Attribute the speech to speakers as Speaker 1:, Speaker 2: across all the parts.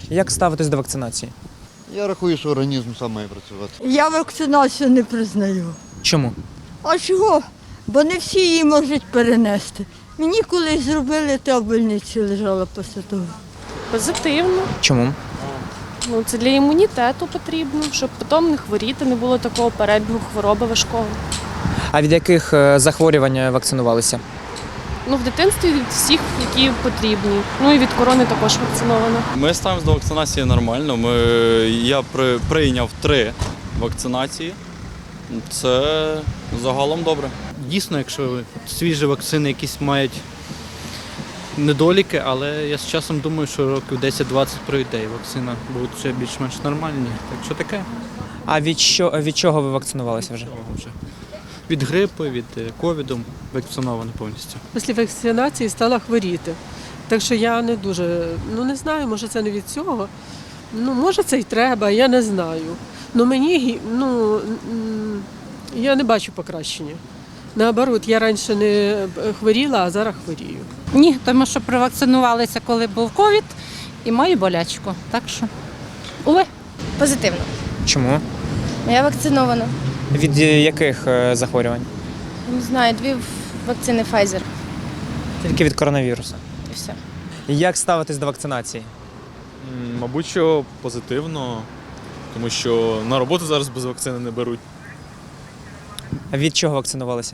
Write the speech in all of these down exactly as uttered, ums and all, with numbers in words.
Speaker 1: Як ставитись до вакцинації?
Speaker 2: Я рахую, що організм сам має працювати.
Speaker 3: Я вакцинацію не признаю.
Speaker 1: Чому?
Speaker 3: А чого? Бо не всі її можуть перенести. Мені колись зробили, та в больниці лежала після того.
Speaker 4: Позитивно.
Speaker 1: Чому?
Speaker 4: Ну, це для імунітету потрібно, щоб потім не хворіти, не було такого перебігу хвороби важкого.
Speaker 1: А від яких е, захворювань вакцинувалися?
Speaker 4: Ну, в дитинстві від всіх, які потрібні. Ну і від корони також вакцинована.
Speaker 5: Ми ставимося до вакцинації нормально. Ми, я при, прийняв три вакцинації. Це загалом добре.
Speaker 6: Дійсно, якщо свіжі вакцини якісь мають недоліки, але я з часом думаю, що років десять-двадцять пройде і вакцина буде ще більш-менш нормальні. Так що таке?
Speaker 1: А від, що, від чого ви вакцинувалися вже?
Speaker 6: Того вже. Від грипу, від е, ковіду вакциновано повністю.
Speaker 7: Після вакцинації стала хворіти. Так що я не дуже, ну не знаю, може це не від цього. Ну, може це й треба, я не знаю. Ну мені, гі- ну, м, я не бачу покращення. Наоборот, я раніше не хворіла, а зараз хворію.
Speaker 8: Ні, тому що провакцинувалися, коли був ковід, і маю болячку. Так що, уве.
Speaker 9: Позитивно.
Speaker 1: Чому?
Speaker 9: Я вакцинована.
Speaker 1: Від е, яких е, захворювань?
Speaker 9: Не знаю, дві вакцини Pfizer
Speaker 1: Тільки від коронавірусу.
Speaker 9: і все.
Speaker 1: Як ставитись до вакцинації?
Speaker 10: М, Мабуть, що позитивно, тому що на роботу зараз без вакцини не беруть.
Speaker 1: А від чого вакцинувалися?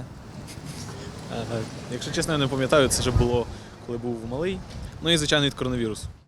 Speaker 10: Е, Якщо чесно, я не пам'ятаю, це вже було, коли був малий. Ну і, звичайно, від коронавірусу.